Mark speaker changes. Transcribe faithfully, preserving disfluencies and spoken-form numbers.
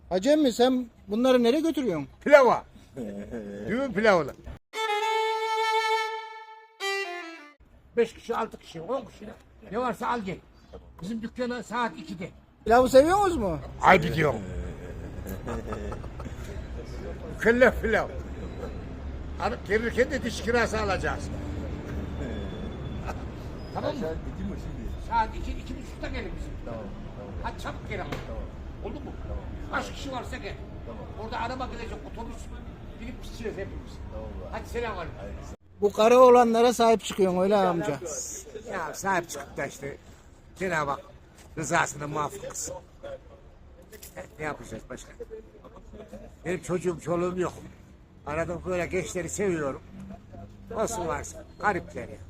Speaker 1: Hacı emmi sen bunları nereye götürüyorsun?
Speaker 2: Pilava. Düğün pilavını. Beş kişi, altı kişi, on kişi. Ne varsa al gel. Bizim dükkana saat ikide.
Speaker 1: Pilavı seviyor musunuz mu?
Speaker 2: Ay gidiyorum. Mükellef pilav. Alıp gelirken de diş kirası alacağız. Tamam mı? Saat iki, iki buçukta gelin bizim. Tamam. Hadi çabuk gel ama. Tamam. Oldu mu? Tamam. Kaç kişi varsa gel. Tamam. Orada araba gidecek, otobüs binip gideceğiz hepimiz. Tamam. Hadi selam aleyküm.
Speaker 1: Bu karı olanlara sahip çıkıyorsun öyle amca.
Speaker 2: Ya sahip çıkıp da işte Cenab-ı Hak rızasına muvaffak kılsın. Ne yapacağız başka? Benim çocuğum, çoluğum yok. Arada böyle gençleri seviyorum. Olsun varsa, garipler ya.